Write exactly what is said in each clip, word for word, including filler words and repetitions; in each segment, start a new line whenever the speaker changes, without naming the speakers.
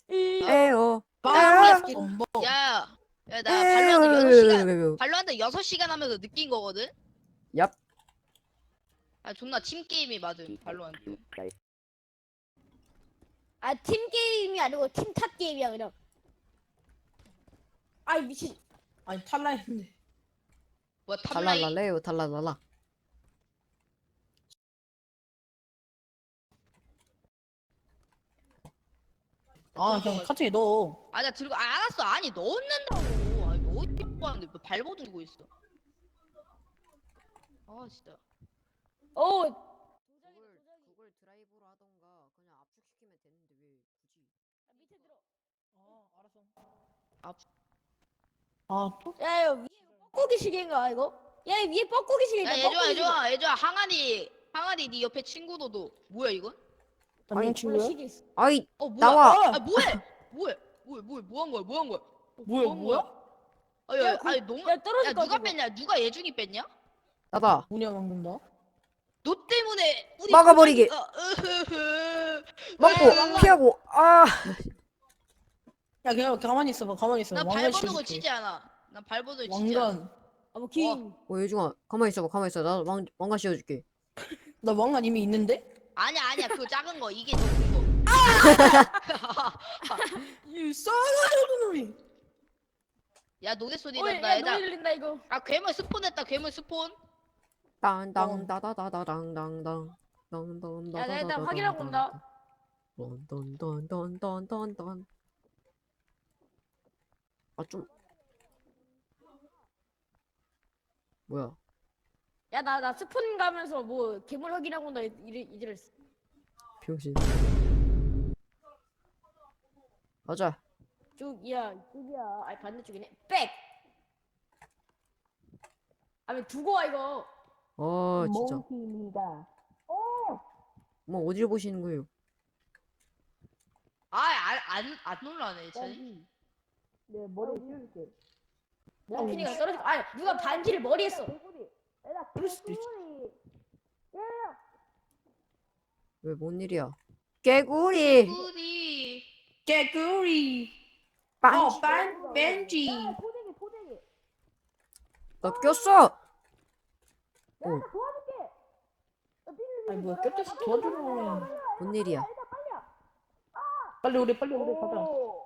에어.
야,
에어.
뭐
야, 야, 나 발로한테 여섯 시간,
에어.
발로한테 여섯 시간 하면서 느낀 거거든?
얍.
아, 존나 팀게임이 맞음, 발로한테.
아, 팀 게임이 아니고 팀 탓 게임이야 그냥. 아이 미친.
아니 탈라했는데.
뭐야, 탑라인?
탈랄랄레요 탈랄랄라.
아 그냥 카트에 넣어.
아, 나 들고, 아, 알았어. 아니, 넣는다고. 아니, 넣으려고 하는데 왜 발버 들고 있어? 아, 진짜.
어.
그걸 그걸 드라이브로 하던가 그냥 압축시키면 되는데 왜 굳이?
밑에 들어.
아 알았어.
아,
아 또?
야, 야 위에 뻐꾸기 시계인가 이거? 야, 이 위에 뻐꾸기 시계다.
야, 얘들아, 얘들아, 얘들아, 항아리, 항아리, 네 옆에 친구도 너. 뭐야, 이건?
안녕
원래
친구야.
시계 있어.
아이
어, 뭐야?
나와.
아, 뭐해? 뭐해? 뭐해? 뭐해? 뭐 한 거야? 뭐 한 거야? 어,
뭐야
뭐 한
뭐야?
거야? 아, 야,
야, 그-
아니, 너무.
야, 떨어질
야,
것
누가
같아,
뺐냐? 누가 예중이 뺐냐?
나다.
문이야 방금다.
너 때문에 우리
막아버리게.
부장이가- 으흐흐.
먹고
야,
피하고 아.
야 그냥 가만히 있어봐. 가만히 있어.
난
왕관
발버둥을
씌워줄게.
치지 않아. 난 발버둥을 치지 않아.
왕관.
아, 뭐 긴.
어 예중아 가만히 있어봐 가만히 있어. 나 왕, 왕관 씌워줄게.
나 왕관 이미 있는데?
아니야, 아니야. 그거 작은 거. 이게 더 큰 거.
이 싸가지 놈이.
야, 노래 소리
어이,
난다.
야,
얘들아.
노래 들린다 이거.
아, 괴물 스폰했다. 괴물 스폰.
땅땅 다다다다당당당.
야, 나 일단 확인하고 온다.
던던던던던던던. 아 좀 뭐야?
야, 나 나 스폰 가면서 뭐 괴물 확인하고 온다 이래 이랬어.
병신. 맞아.
쪽이야, 쪽이야. 아니 반대쪽이네. 백. 아니 두고 와 이거.
아 진짜.
몽키입니다.
뭐 어디를 보시는 거예요?
아, 안, 안, 안 놀라네. 쟤.
내 머리 씌워줄게.
야, 피니가 떨어져. 아니 누가 반지를 머리에 써.
그럴 수도 있지.
왜 뭔 일이야? 개구리.
우리.
개구리.
빵.
어, 반 벤지.
포대기 포대기.
나 꼈어. 어,
아니 뭐야 꼈댔어 도와주네.
뭔 일이야?
빨리 오래 빨리 오래 가자.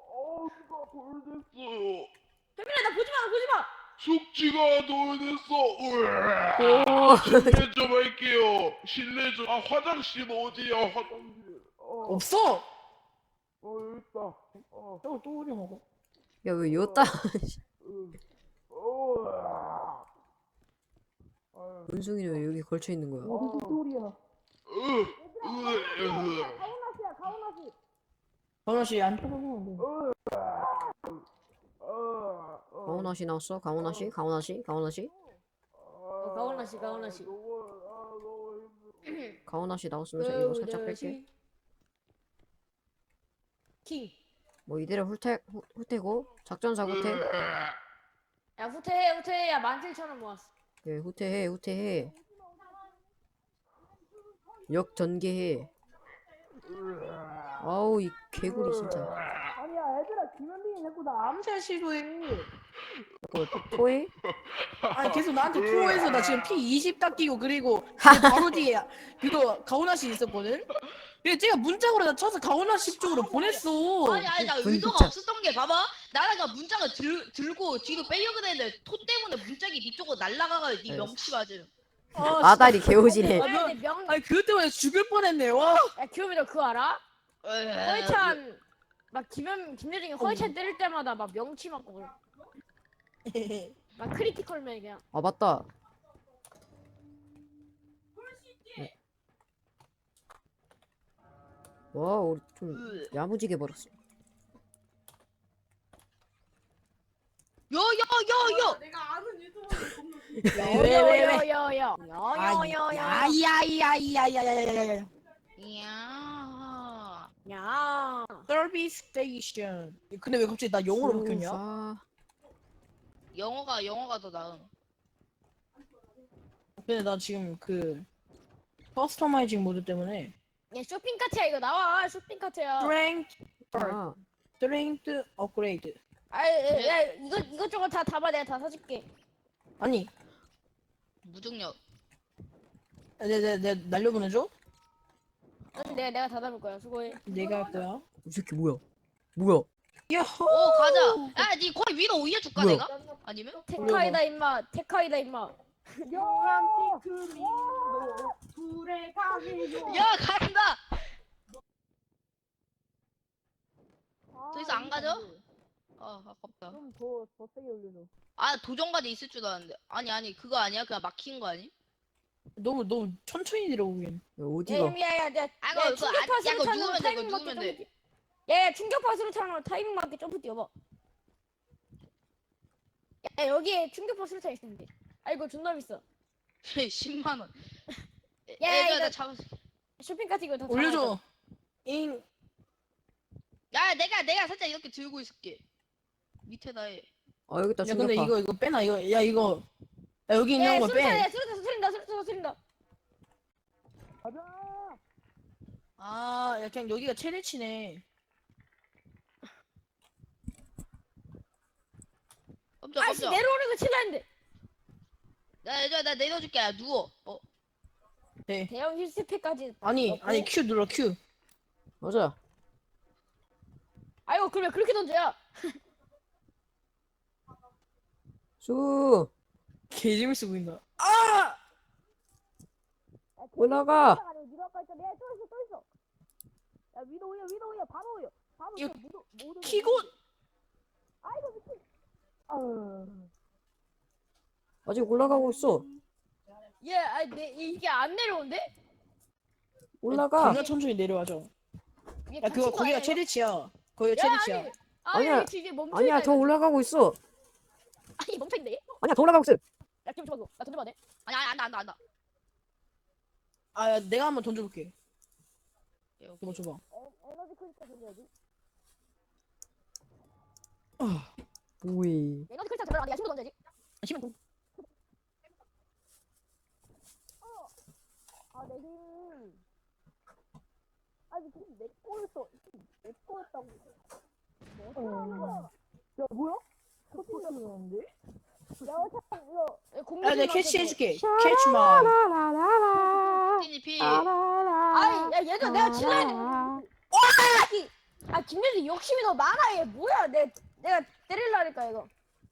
돌됐어요.
혜민아 나 보지 마 보지 마.
숙지가 돌됐어.
오.
실례 좀 할게요. 실례 좀. 아 화장실 어디야? 화장실. 어,
없어.
어 여기 있다. 어,
저거 또 오래 먹어.
야 왜 여따?
어. 아유,
원숭이는 왜 여기 걸쳐 있는 거야?
무슨 똘이야.
으, 으, 으.
가오나시야 가오나시.
가훈아 씨안 쳐다보면 돼.
어, 어.
가오나 씨 나왔어? 가오나 씨? 가오나 씨? 가오나 씨?
어, 가오나 씨, 가오나 씨.
너무, 아, 너무 힘들어.
가오나 씨 나왔으면서 이거 살짝 뺄게.
킹.
뭐 이대로 훌태 후- 후퇴고 작전사 후퇴.
야 후퇴해 후퇴해. 야 만칠천 원 모았어.
예 후퇴해 후퇴해. 역 전개해. 아우 이 개구리 진짜.
아니야 얘들아 김현빈이 자꾸 나 암살 시도해.
그거 또 토해?
아니 계속 나한테 투어해서 나 지금 피 이십 닦이고 그리고 그 바로 뒤에 그거 가훈아 씨 있었거든. 그래서 제가 문짝으로 나 쳐서 가훈아 씨 쪽으로 보냈어.
아니, 아니, 나
분
의도가
진짜.
없었던 게, 봐봐. 나라가 문짝을 들, 들고 뒤로 빼려고 했는데, 토 때문에 문짝이 네 쪽으로 날아가가 네
네.
명치 맞음.
아,
마다리 개오지네.
아, 너-
근데 명.
아니 그것 때문에 죽을 뻔했네. 와.
야 규현이 너 그거 알아?
에이,
허이찬 막 김현 김여정이 허이찬 때릴 때마다 막 명치 맞고 그래. 막 크리티컬맨 그냥.
아 맞다. 네. 와 우리 좀
으.
야무지게 벌었어.
야, 야, 야, 야!
내가 아는 유튜버
여여여여여. 여여여여.
야야야야야야야야야.
이야.
야.
서비스 스테이션. 근데 왜 갑자기 나 영어로 바뀌었냐?
수사.
영어가, 영어가 더 나음.
근데 나 지금 그 커스터마이징 모드 때문에
야 쇼핑 카트야 이거 나와 쇼핑 카트야.
프랭크
아,
스트렝스 업그레이드.
아, 야, 야, 이거 이것저것 다 담아 내가 다 사줄게.
아니,
무중력.
내가 내 날려보내줘?
아니, 내가 내가 다 담을 거야. 수고해.
내가 할 거야.
이 새끼 뭐야? 뭐야?
야호!
오 가자. 야, 니 거기 위로 올려줄까
뭐야?
내가? 아니면?
테카이다 임마. 테카이다 임마.
야 간다. 더 이상 안 가죠? 아 아깝다.
좀더더 세게 올려줘.
아 도전까지 있을 줄 알았는데. 아니 아니 그거 아니야? 그냥 막힌 거 아니?
너무 너무 천천히 내려오긴.
야,
야,
어디가?
야야, 야,
아,
야,
이거 그거 안- 야,
충격파수로
이거
타는
누르면 돼,
타이밍
이거
맞게
누르면
점프
돼.
뛰- 야, 야, 충격파수로 타는 타이밍 맞게 점프 뛰어봐. 야, 여기에 충격파수로 타 있으면 돼. 아, 이거 존나 비싸.
십만 원.
야, 야,
얘들아
이거-
나 잡았어.
쇼핑카트 이거 다
올려줘. 잉.
야 내가 내가 살짝 이렇게 들고 있을게. 밑에다 해.
아 여기 있다
야 근데
충격파.
이거 이거 빼놔 이거. 야 이거. 야 여기
야,
있는 거
수류탄,
빼.
야, 수류탄, 수린다, 수류탄, 수린다.
아, 야 그냥 여기가 최대치네.
깜짝
아씨,
깜짝.
내려오는 거 치려 했는데.
나 얘들아 나 내려줄게. 야 누워. 어.
네.
대형 힐스팩까지.
아니
넣고.
아니 Q 눌러 Q.
맞아.
아이고, 그러면 그렇게 던져야.
수
개 재밌어 보인다. 아!
올라가.
네가 아까 했잖아. 야, 또 있어, 또 있어. 야, 위로 올려, 위로 올려, 바로 올려. 바로
이거
올려, 모두, 모두.
키고.
아이고, 미친. 아유.
아직 올라가고 있어.
얘, 아, 내 이게 안 내려온대?
올라가.
겁나 천천히 내려와줘.
이게
야 그거
갇힌 거
거기가
아니야,
최대치야. 거기가
이거? 야,
최대치야.
아니, 아니,
아니야.
아니, 이게 멈춰.
아니야 더 올라가고 있어.
아니, 멈춰있네.
아니야 더 올라가고 있어.
야, 기분 좋았어. 나 던져봐, 돼?
아니 아니 안다 안다 안다.
아 야, 내가 한번 던져볼게.
야,
이거 줘봐.
에, 에너지 크리스탈 던져야지.
아,
오이.
에너지 크리스탈 던져라. 내가 힘도 던져야지.
힘은 좀.
아, 내 힘. 아니, 지금 내 거였어. 내 거였다고. 뭐 어떻게 하는 거야?
야 뭐야? 터지는데?
야, 참, 이거.
야 내가 캐치해줄게. 캐치만.
띠니 피.
아이, 야, 얘들 내가 질러야 돼. 와! 아, 김민수 욕심이 너 많아, 얘. 뭐야, 내, 내가 때릴라니까, 이거.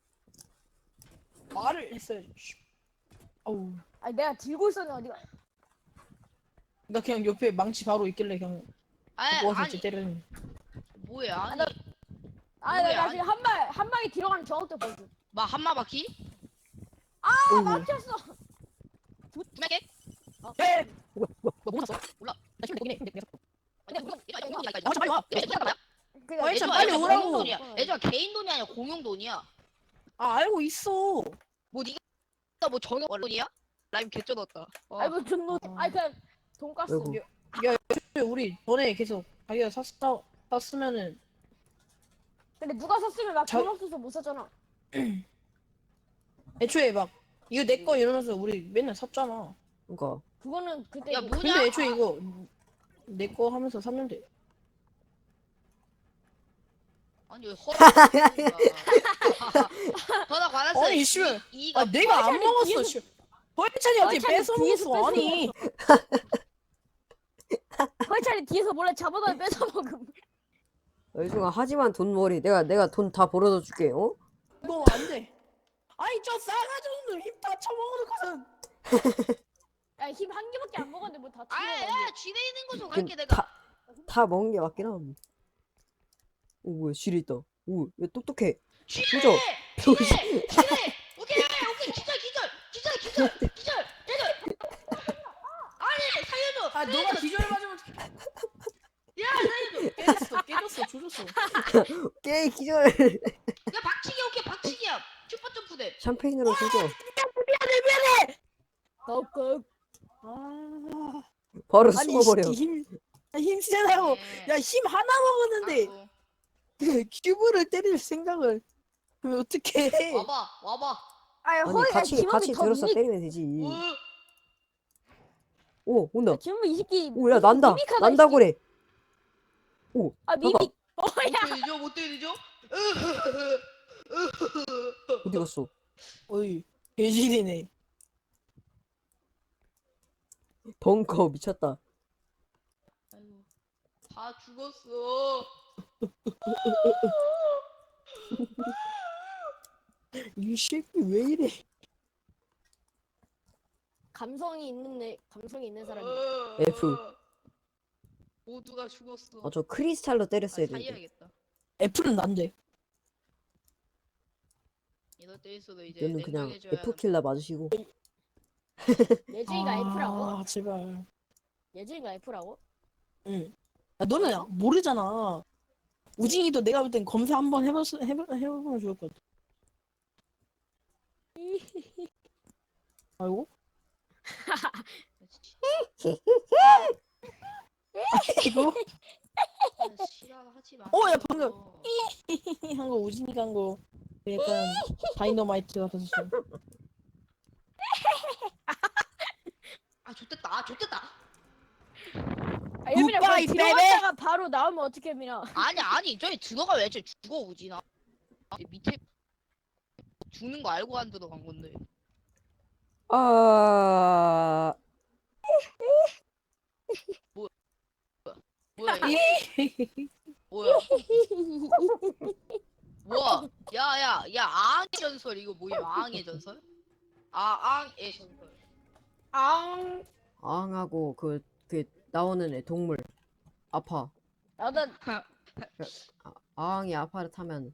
말을 했어야지. 씨. 어우.
아니, 내가 들고 있었는데, 어디가.
나 그냥 옆에 망치 바로 있길래 그냥
아니
모아서
아니
쟤 때리는.
뭐야 아니.
나- 아, 나,
뭐야,
나
아니.
지금 한 발, 한 방에 들어가는 정확도 보여줘.
막 한마 바퀴?
아,
어이구.
막혔어.
두명게
에!
뭐야 뭐야.
너 뭐 샀어?
몰라.
나 힘내 보긴 해. 근데 내가 샀어.
아니 이거 이거 이거 이거
아, 빨리 와.
그니까,
어, 일단 빨리 오라고.
공용 돈이야. 애들아 개인 돈이 아니라 공용 돈이야.
아 알고 있어.
뭐 니가 뭐 정형 원론이야? 라임 개쩌었다.
아이고, 존노. 아이, 그냥, 돈가스.
아이고.
우리 전에 계속 자기가 샀어 샀으면은
근데 누가 샀으면 나
자-
돈 없어서 못 샀잖아.
애초에 막 이거 내 거 이러면서 우리 맨날 샀잖아.
그러니까.
그거는 그때.
야
그-
뭐냐?
근데 애초에 이거 내 거 하면서 샀는데.
아니 왜 허락? 전화 받았어.
아니, 씨발.
이가
아 내가 안
허이찬이
먹었어.
뒤에서-
씨. 허이찬이 어떻게
허이찬이
뺏어
뒤에서
먹었어?
뺏어
아니.
허이찬이 뒤에서 몰래 잡아다 뺏어 먹음.
여기중아 하지만 돈벌이. 내가 내가 돈 다 벌어다 줄게. 어?
이거 안 돼. 아니 저 싸가지 없는 힘다 처먹어놓고선.
야, 힘 한 개밖에 안 먹었는데 뭐 다 튀어.
아야 쥐에 있는 곳으로
그,
갈게 내가.
다, 다 먹은 게 맞긴 함. 오 뭐야 실이 있다. 오 왜 똑똑해.
쥐에!
조져.
쥐에! 쥐에! 오케이 오케이 기절 기절 기절 기절 기절 기절. 아니 살려줘.
아 너가 기절 맞으면 어떡해.
야 살려줘.
깨졌어 깨졌어 조졌어.
깨 기절.
야 박치기 오케이 박치기야. 슈퍼 점프대.
샴페인으로 조져.
덕극.
아
바로
아니
숨어버려.
힘 힘 세다고.
네.
야 힘 하나 먹었는데
아이고.
큐브를 때릴 생각을 하면 어떻게 해?
와봐 와봐.
아니,
아니
허이,
같이
지금이
같이
더
들어서
미-
때리면 되지.
어?
오 온다.
지금 이 새끼.
오 야 난다.
미믹하다,
난다
이 새끼.
그래.
아, 미믹.
어떻게 되죠? 뭐 어떻게 되죠?
어디 갔어?
어이 개질이네.
벙커 미쳤다.
아이고, 다 죽었어.
이 새끼 왜 이래?
감성이 있는 애, 감성이 있는 사람이.
F.
모두가 죽었어.
아 저 크리스탈로
아,
때렸어야 되는데.
살려야겠다.
애플은 난데.
이럴 때 있어도 이제
이거는 그냥
냉정해져야
F 킬러 맞으시고.
예진이가 F라고?
아 제발.
예진이가 F라고?
응. 야, 너는 모르잖아. 우진이도 내가 볼 땐 검사 한번 해봤 해봐 해보면 좋을 것 같아. 아이고. 이거
아, 싫어하지 마.
어, 야, 방금. 한 거 우진이가 한 거 약간 다이너마이트 같았어.
아 좋댔다. 아 좋댔다.
아, 예민아
굿바이,
그거
베이베.
들어갔다가 바로 나오면 어떡해 민아.
아니 아니 저기 들어가 왜 저 죽어 우진아. 밑에 죽는 거 알고 안 들어간 건데.
아
뭐야 이거? 뭐야? 뭐야? 야야 야 앙의 전설 이거 뭐야? 앙의 전설? 아 앙의 전설.
앙.
앙하고 그 그 나오는 애 동물 아파.
나도
아, 앙이 아파를 타면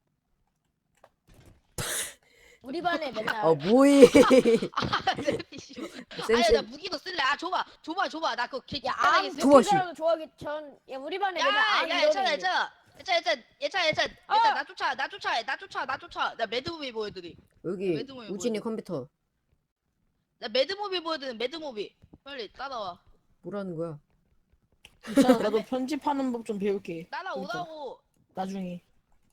우리 반에 맨날
아 뭐이
아 내피쇼. 아야
센스
나 무기도 쓸래. 아 줘봐 줘봐 줘봐. 나 그거 개
야,
편하게
앙
쓸.
좋아, 씨.
사람 좋아하기 전, 야, 우리 반에 맨날 앙
야야
이러는
예찬아
애.
예찬아 예찬아 예찬아 예찬아 예찬아
어!
예찬아 나 쫓아 나 쫓아 나 쫓아 나 쫓아 나 매드무비 보여드리.
여기
매드모이
우진이
뭐야?
컴퓨터
나 매드무비 보여드리. 매드무비 빨리 따라와.
뭐라는 거야?
괜찮아, 나도 편집하는 법 좀 배울게.
따라오라고.
나중에.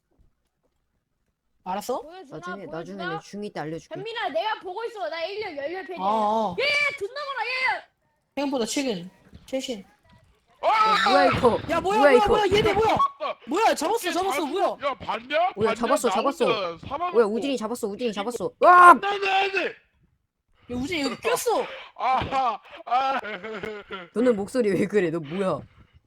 알았어?
보여주나?
나중에
보여주나?
나중에는 중이 때 알려줄게.
현민아 내가 보고 있어. 나 일 년 열렬 팬이야.
아, 아.
야, 존나 많아. 얘.
생각보다 최근. 최신.
야, 뭐야 이거?
야, 뭐야,
뭐야,
뭐야,
이거?
뭐야, 얘네 뭐야?
아,
뭐야, 잡았어,
어떻게
잡았어,
다
뭐야?
죽- 야 봤냐?
뭐야,
봤냐?
잡았어,
나
잡았어.
혼자 살아남고.
뭐야 우진이 잡았어 우진이 잡았어. 와!
안돼 안돼.
야, 우진이 여기 꼈어.
아하 아.
너는 목소리 왜 그래? 너 뭐야?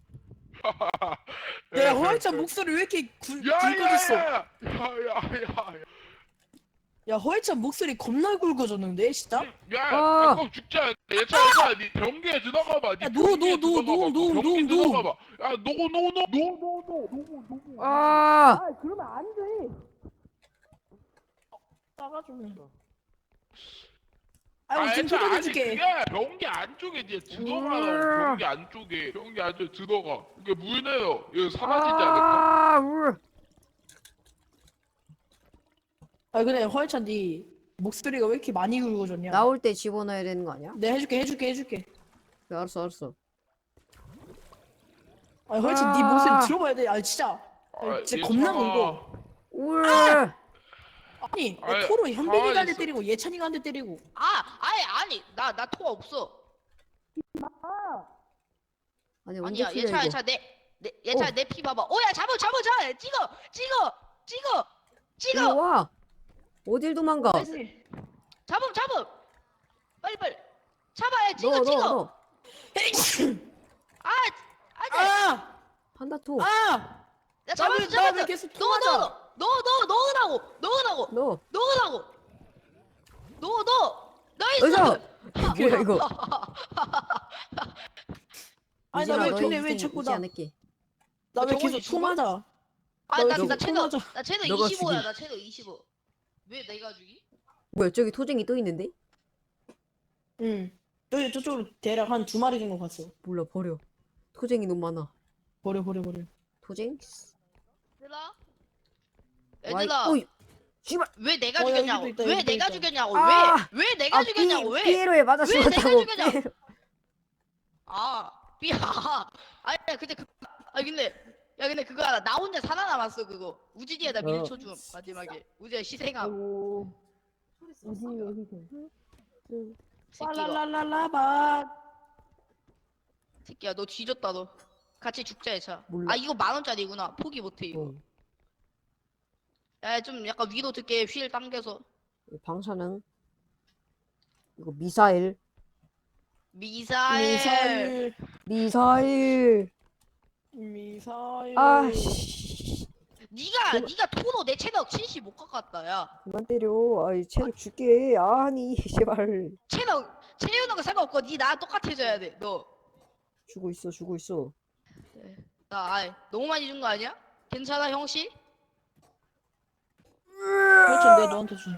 야, 허영찬 목소리 왜 이렇게 굵, 굵어졌어?
야야야야야.
야, 허영찬 목소리 겁나 굵어졌는데, 진짜?
야,
아.
꼭 죽자. 얘차, 얘차, 니 변기에 들어가봐. 니
야, 노,
변기에
노, 노,
들어가봐.
노, 노,
변기
노, 노.
들어가봐. 야, 노, 노, 노, 노, 노, 노, 노, 노.
아!
아, 그러면 안 돼. 싸가지고. 아, 지금
얘차, 아니,
뜯어줄게.
그게 변기 안쪽에 니 들어가라고. 변기 안쪽에. 변기 안쪽에 들어가. 이게 물 내요. 이거 사라지지 않을까?
아! 울.
아, 근데 허영찬 네 목소리가 왜 이렇게 많이 굵어졌냐?
나올 때 집어넣어야 되는 거 아니야?
내가 해줄게, 해줄게, 해줄게.
그래, 알았어 알았어.
아, 허영찬 네
아.
목소리 들어봐야 돼. 아, 진짜. 아, 진짜 겁나
얘차가-
굵어.
울.
아니,
아이,
토로 현빈이가 한 대
가만히 있어.
때리고 예찬이가 한 대 때리고.
아 아니 아니 나 나 토가 없어.
아니 언제
아니야
키려
예찬아
이거?
예찬아 내내 예찬아
어.
내 피 봐봐. 오야 잡아 잡아 잡아. 찍어 찍어 찍어
이리
찍어.
와. 어딜 도망가?
잡음 잡음. 빨리 빨리. 잡아야 찍어
너 너
찍어.
너.
아 안돼.
아!
판다 토.
아!
야 잡았어
나왜
잡았어.
계속
넣어
토하자?
넣어 넣어 넣어 넣으라고 넣으라고
너.
넣으라고 넣어 넣어 나이스.
어서. 뭐야 이거?
아니,
우진아,
나 왜
너희
근데 왜
인생
자꾸
잊지
나,
않을게.
나 왜
저번에
계속
죽어?
토 맞아?
아나
너
나
토
채널
맞아.
나 채널
너가
이십오야
죽이.
나 채널 이십오. 왜 내가 죽이?
뭐야 저기 토쟁이 또 있는데?
응. 저기 저쪽으로 대략 한 두 마리 정도 갔어.
몰라 버려. 토쟁이 너무 많아.
버려, 버려, 버려.
토쟁?
얘들아
와이-
얘들아
어이, 씨발.
왜 내가
어,
죽였냐고
여기도 있다,
왜
여기도
내가
있다.
죽였냐고
아!
왜 왜 내가
아,
죽였냐고
피,
왜
피에로에 맞아
왜 내가
죽었다고.
죽였냐고.
피에로.
아, 삐야. 아니, 근데 그, 아 근데 야 근데 그거 알아? 나 혼자 살아남았어 그거. 우진이에다
어.
밀쳐줌 마지막에. 우진이 희생함.
오. 우진이 왜 희생?
새끼가.
빨랄랄랄라바.
새끼야 너 뒤졌다 너. 같이 죽자 해차.
몰라.
아 이거 만 원짜리구나. 포기 못해 이거.
어.
야 좀 약간 위로 듣게 휠 당겨서.
방사능. 이거 미사일.
미사일.
미사일.
미사일.
미사일.
아씨.
네가
그만-
네가 토로 내 체력 칠십 못 깎았다 야.
그만 때려. 아이 체력 줄게. 아니 제발.
체력 채우는 거 상관없고 니 나랑 똑같아져야 돼. 너.
주고 있어 주고 있어.
나 아이 너무 많이 준 거 아니야? 괜찮아 형씨?
그렇죠, 내 너한테 준.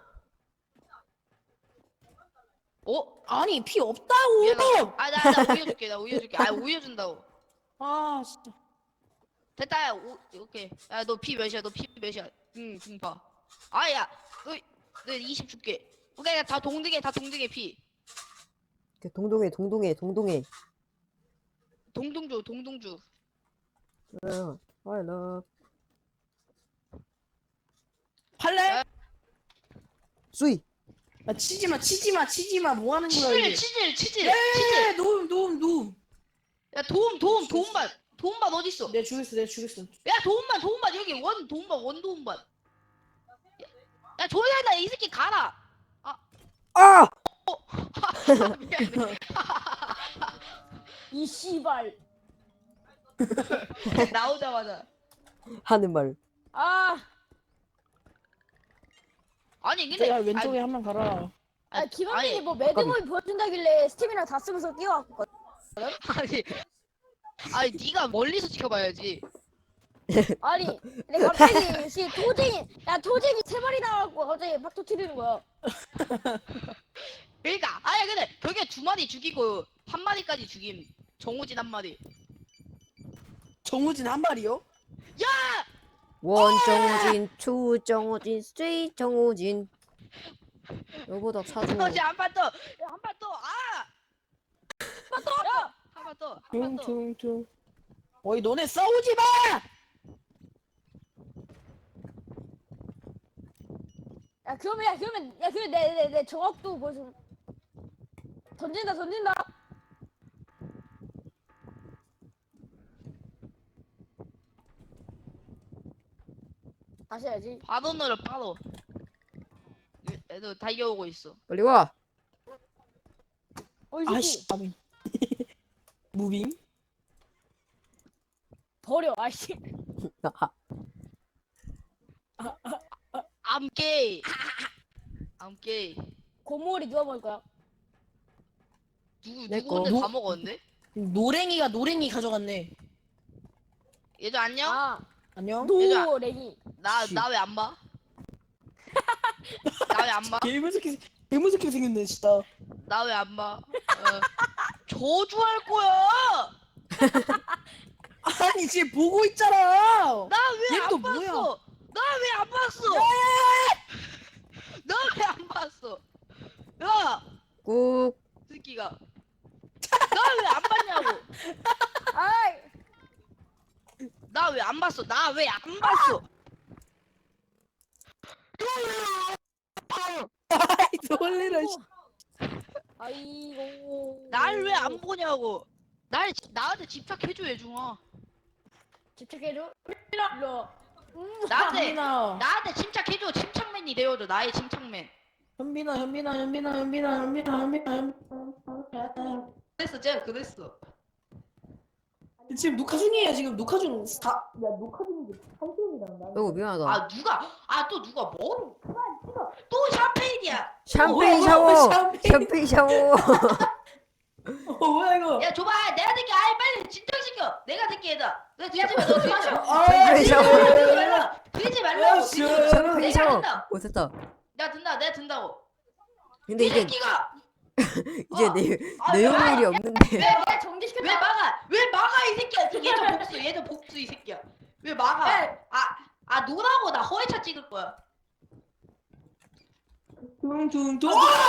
어?
아니 피 없다고.
미안하다. 아, 나, 나 우유 줄게. 나 우유 줄게. 아, 우유 준다고.
아 진짜.
됐다. 야, 오, 오케이. 야, 너 피 몇이야? 너 피 몇이야? 응, 응, 봐. 아, 야, 너, 너 이십 줄게. 오케이, 다 동등해, 다 동등해, 피.
이렇게 동동해 동동해 동동해.
동동주, 동동주.
어, I love.
할래?
수이.
아 치지마 치지마 치지마 뭐 하는 거야 이게.
치질, 치질, 치질,
예,
치질.
노움 노움 노움.
야, 도움, 도움, 도움반. 도움반 어딨어?
내가 죽였어 내가 죽였어.
야, 도움반, 도움반. 여기 원, 도움반, 원 도움반. 야, 야 조용히 해. 이 새끼 가라.
아!
미안해.
이 씨발.
나오자마자.
하는 말.
아,
아니, 근데.
내가 왼쪽에 한 명 가라.
아
아니,
김원빈이
아니,
뭐 매드무비 보여준다길래 스팀이랑 다 쓰면서 뛰어왔거든.
아니, 아니, 네가 멀리서 지켜봐야지.
아니, 근데 갑자기 씨 토쟁이, 야 토쟁이 세 마리 나와갖고 갑자기 막 터트리는 거야.
그러니까, 아니 근데 벽에 두 마리 죽이고 한 마리까지 죽임. 정우진 한 마리.
정우진 한 마리요?
야,
원 정우진, 투 정우진, 쓰리 정우진. 너보다 사줘.
정우진 한판 더, 한판 더, 아, 한판 더,
야,
한 판 더, 한 판 더.
퉁퉁퉁. 어이 너네 싸우지 마.
야 그러면 야 그러면 야 그러면 내내 내 정확도 보여줘. 던진다 던진다. 다시 해야지.
바로 너를 바로. 애들 달려오고 있어.
빨리 와.
어이 새끼
아씨 아미. 무빙?
버려. 아씨.
I'm gay. I'm gay.
고물이 누가 먹을 거야?
누구
내
누구 혼자
거.
다 먹었는데?
노랭이가 노랭이 가져갔네.
얘도 안녕?
아
안녕.
노랭이.
나
씨.
나 왜 안 봐? 나 왜 안 봐?
개무섭게 개무섭게 생겼네 진짜.
나 왜 안 봐? 어. 저주할 거야.
아니 지금 보고 있잖아.
나 왜
얘
안
또
봤어?
뭐야?
나 왜 안 봤어? 나 왜 안 봤어? 야,
꾹.
새끼가. 나 왜 안 봤냐고.
아이.
나 왜 안 봤어? 나 왜 안 봤어?
아이 놀래라. 씨.
아이고.
날 왜 안 보냐고. 날 지- 나한테 집착해줘 예중아.
집착해줘. 일로. 음.
나한테
현빈아.
나한테 침착해줘. 침착맨이 되어줘. 나의 침착맨.
현빈아 현빈아 현빈아 현빈아 현빈아 현빈아 현빈아.
그랬어, 쟤 그랬어.
지금 녹화 중이에요. 지금 녹화 중. 다. 야 녹화 중인데 한 시간이다. 나.
어이구 미안하다.
아 누가 아 또 누가 뭐 그만 찍어. 또 샴페인이야.
샴페인
어,
샤워.
샴페인.
샴페인 샤워.
어 뭐야 이거?
야 줘봐. 내가 될게. 아이 빨리 진정시켜. 내가 될게 얘다. 너 뒤지 마. 너 뒤지 마.
아,
샴페인 샤워.
뒤지 말라. 뒤지 말라고.
야,
뒤지
씨.
말라.
샴페인
내가
샤워.
된다.
오 됐다.
내가 든다. 내가 든다고.
근데
이
이제
새끼가
이제
어.
내
아,
내용일이
왜,
없는데.
왜, 왜 정지시켰다. 왜 막아? 왜 막아 이 새끼야? 얘도 복수. 얘도 복수 이 새끼야. 왜 막아?
에.
아아 노라고 나 허위차 찍을 거야.
퉁퉁퉁.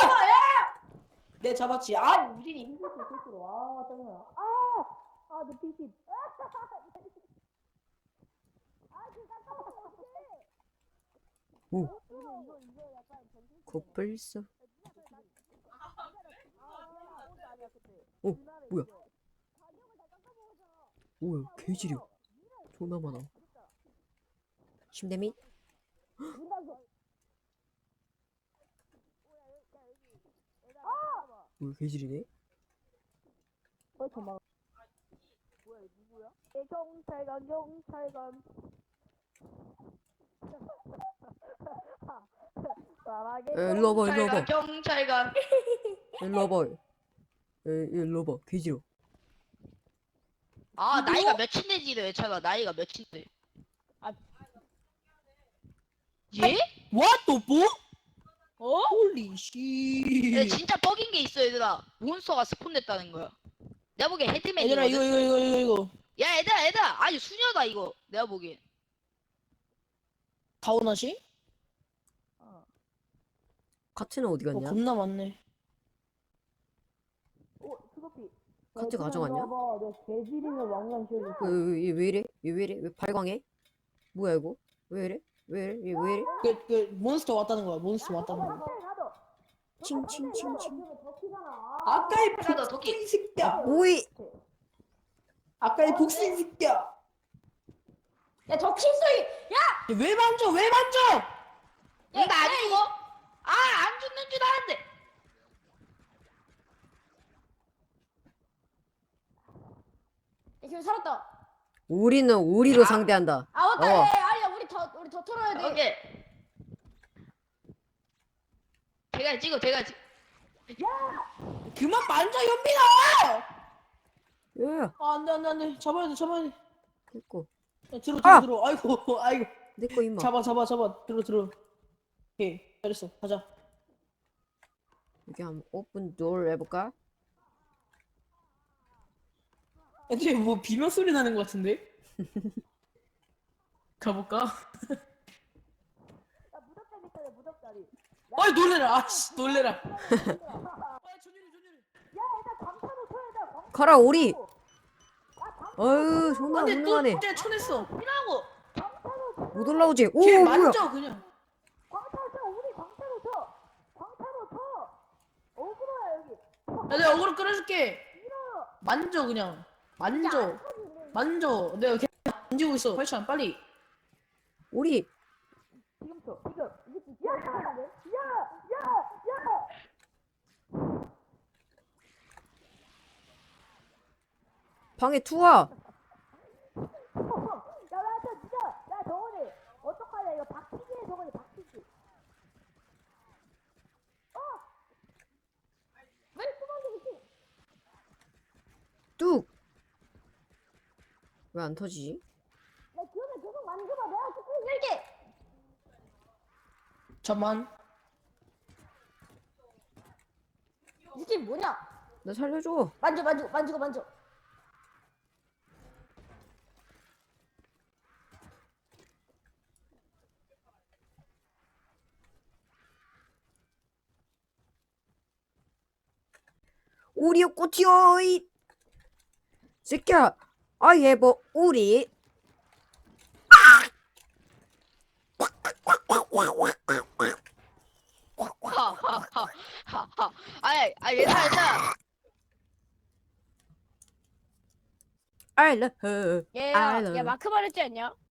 내 잡았지. 아 우진이 힘들어 스스로. 아 짜증나. 아아내 피시.
코뿔소. 오 뭐야? 오야 개지려. 존나 많아. 침대 밑. 오 개지리네.
어 잠깐. 뭐야 이 누구야? 경찰관 경찰관. 사랑해.
에 일로 와봐 일로 와봐
경찰관 경찰관.
일로 와봐. 에 일로 와봐 개지려.
아 나이가 몇인데지를 왜 찾아? 나이가 몇인데?
아.
예?
What the 뭐?
어?
홀리
근데
씨.
진짜 뻑인 게 있어 얘들아. 몬스터가 스폰됐다는 거야. 내가 보기엔 헤드맨이거든.
얘들아 이거 이거 이거 이거 이거.
야 얘들아 얘들아 아니 수녀다 이거 내가 보기엔.
가오나 씨?
카트는 어디
어,
갔냐?
겁나 많네.
어 수도피.
카트 가져갔냐?
봐봐 내가 개지리는 왕관 씌워줬어.
왜, 얘 왜 이래? 얘 왜 이래? 왜 발광해? 뭐야 이거? 왜 이래? 왜 이래? 얘 왜 이래?
그, 그 몬스터 왔다는 거야. 몬스터 왔다는 거야.
칭칭칭칭.
아까의
가다, 도끼.
복수인 새끼야.
오이.
아까의 복수인 새끼야.
야저 킬소이. 야.
왜 만져? 왜 만져?
응, 나안 죽어? 아 안 죽는 줄 알았는데.
야 지금 살았다.
우리는 우리로
아.
상대한다.
아 맞다.
어.
야, 야, 아니야 우리 더 우리 더 털어야 돼.
오케이. 대가리 찍어 대가리 찍어.
그만 만져 현빈아.
야,
아 안돼 안돼 안돼. 잡아야 돼 잡아야 돼.
내꺼.
야, 들어 들어
아!
들어. 아이고 아이고.
내꺼 임마.
잡아 잡아 잡아. 들어 들어. 오케이 잘했어. 가자.
여기 한번 오픈 도어 해볼까?
애들이 뭐 비명 소리 나는 것 같은데? 가볼까?
야 무적다리 있다. 무적다리.
아이 놀래라. 아씨 놀래라. 아 전율이 전율이.
야 일단 광탄을 쳐야 돼. 광탄.
가라 오리. 어휴 존나
안돼 또
훌륭하네.
진짜 쳐냈어.
피라고.
못 올라오지. 오
걔
뭐야?
만져 그냥.
광탄을 쳐. 우리 광탄을 쳐. 광탄을 쳐. 어그로야 여기.
야 내가 어그로 끌어줄게. 만져 그냥. 만져. 만져. 내가 이렇게 만지고 있어. 팔찬 빨리.
오리.
지금 쳐. 지금. 이게 진짜. 야. 야. 야.
방에 투하.
야 나한테 진짜. 야 정원이. 어떡하냐 이거 박치기해 정원이 박치기. 어. 왜 수박이 있지?
뚝. 왜 안 터지지?
야 기억에 계속 만져봐. 내가 스킬 쓸게.
잠만.
이 스킬 뭐냐?
나 살려줘.
만져 만져 만지고 만져.
오리요 꼬티요 이 새끼야. I have a 오리.
하하하하하. 아이 아 얘들아 얘들아.
I love her. I
얘야
love
얘 마크 말했지 않냐?